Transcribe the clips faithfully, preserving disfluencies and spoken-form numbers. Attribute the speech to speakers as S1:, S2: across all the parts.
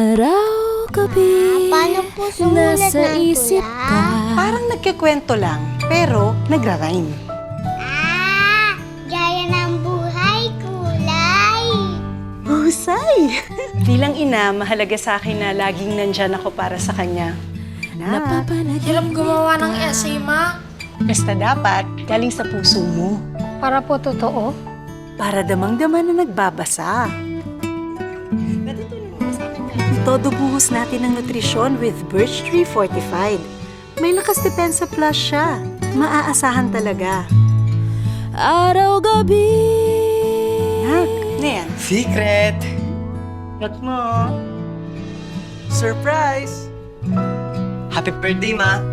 S1: Araw-gabi,
S2: Paano po sumulat
S1: nasa
S2: ng
S1: isip
S2: tula?
S1: ka.
S3: Parang nagkikwento lang, pero nagra-rhyme.
S2: Ah! Gaya ng buhay kulay!
S3: Husay! Bilang ina, mahalaga sa akin na laging nandyan ako para sa kanya. Na,
S1: Napapanaginip
S4: Hirap gumawa ng
S1: ka.
S4: essay, ma.
S3: basta dapat galing sa puso mo.
S4: Para po totoo.
S3: Para damang-dama na nagbabasa. Todo buhos natin ng nutrisyon with Birch Tree Fortified. May lakas depensa plus siya. Maaasahan talaga.
S1: Araw-gabi.
S3: Nak, ano yan?
S5: Secret!
S3: Cut mo. Surprise!
S5: Happy birthday, ma!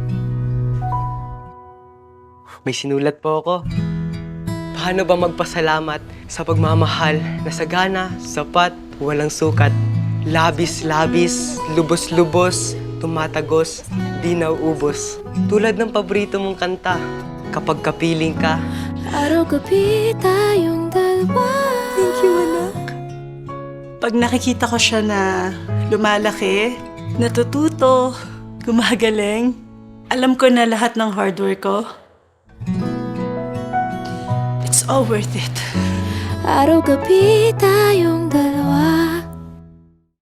S5: May sinulat po ako. Paano ba magpasalamat sa pagmamahal na sagana, sapat, walang sukat, labis-labis, lubos-lubos, tumatagos, di nauubos. Tulad ng paborito mong kanta, kapag kapiling ka,
S1: Araw-gabi tayong dalawa.
S3: Thank you, anak. Pag nakikita ko siya na lumalaki, natututo, gumagaling, alam ko na lahat ng hard work ko. It's all worth it.
S1: Araw-gabi tayong dalawa.